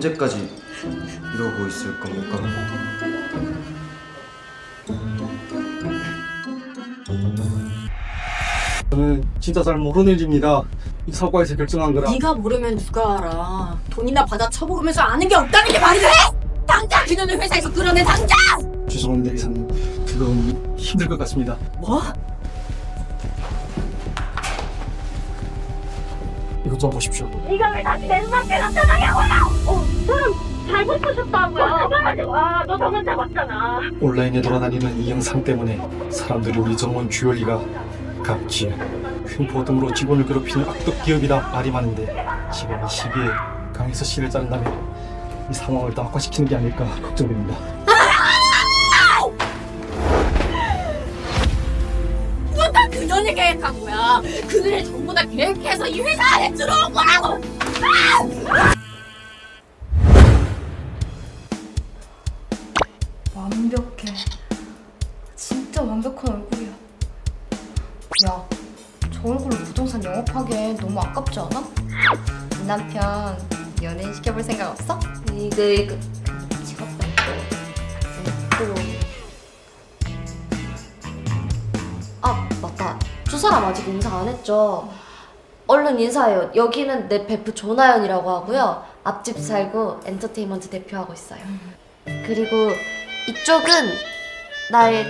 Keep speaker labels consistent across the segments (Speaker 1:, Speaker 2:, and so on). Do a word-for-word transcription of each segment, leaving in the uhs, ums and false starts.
Speaker 1: 언제까지 이러고 있을 겁니까?
Speaker 2: 저는 진짜 잘 모르는 일입니다. 이 사과에서 결정한 거라.
Speaker 3: 네가 모르면 누가 알아. 돈이나 받아 쳐먹으면서 아는 게 없다는 게 말이 돼? 당장 그녀는 회사에서 끌어내, 당장!
Speaker 2: 죄송합니다 이사님. 그건 힘들 것 같습니다.
Speaker 3: 뭐?
Speaker 2: 이것 좀 보십시오.
Speaker 4: 네가 왜 다시 내 눈앞에 나타나냐고요! 어, 사람 잘못 보셨다고요. 아, 너 저번 잡았잖아.
Speaker 2: 온라인에 돌아다니는 이 영상 때문에 사람들이 우리 정원 주얼리가 갑질, 횡포 등으로 직원을 괴롭히는 악덕 기업이라 말이 많은데 지금 이 시기에 강에서 씨를 자른다면 이 상황을 더 악화시키는 게 아닐까 걱정됩니다.
Speaker 3: 이건 다 그녀를 계획한 거야. 그들을 전부 다 계획해서 이 회사 안에 들어온 거라고!
Speaker 5: 완벽해. 진짜 완벽한 얼굴이야. 야, 저 얼굴로 부동산 영업하기엔 너무 아깝지 않아? 이 남편 연예인 시켜볼 생각 없어? 이거 이거 직업도 없고. 아 맞다. 두 사람 아직 인사 안 했죠? 얼른 인사해요. 여기는 내 베프 조나연이라고 하고요. 앞집 살고 엔터테인먼트 대표하고 있어요. 그리고 이쪽은 나의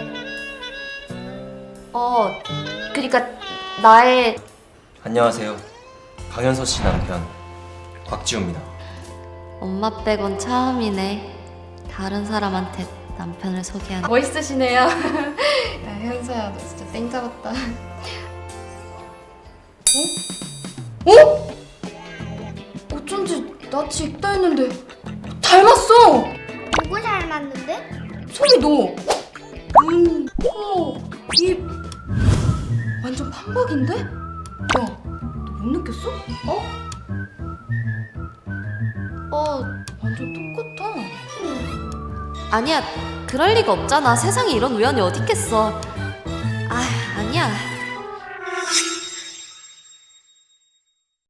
Speaker 5: 어 그러니까 나의
Speaker 1: 안녕하세요. 강현서 씨 남편 곽지우입니다.
Speaker 5: 엄마 빼곤 처음이네. 다른 사람한테 남편을 소개하는. 멋있으시네요. 야 현서야 너 진짜 땡 잡았다. 어? 어? 어쩐지 낯이 익다 했는데 닮았어.
Speaker 4: 누구 닮았는데?
Speaker 5: 소미 너! 눈, 코, 입 완전 판박인데? 야, 너 못 느꼈어? 어? 어, 완전 똑같아. 아니야, 그럴 리가 없잖아. 세상에 이런 우연이 어딨겠어. 아, 아니야.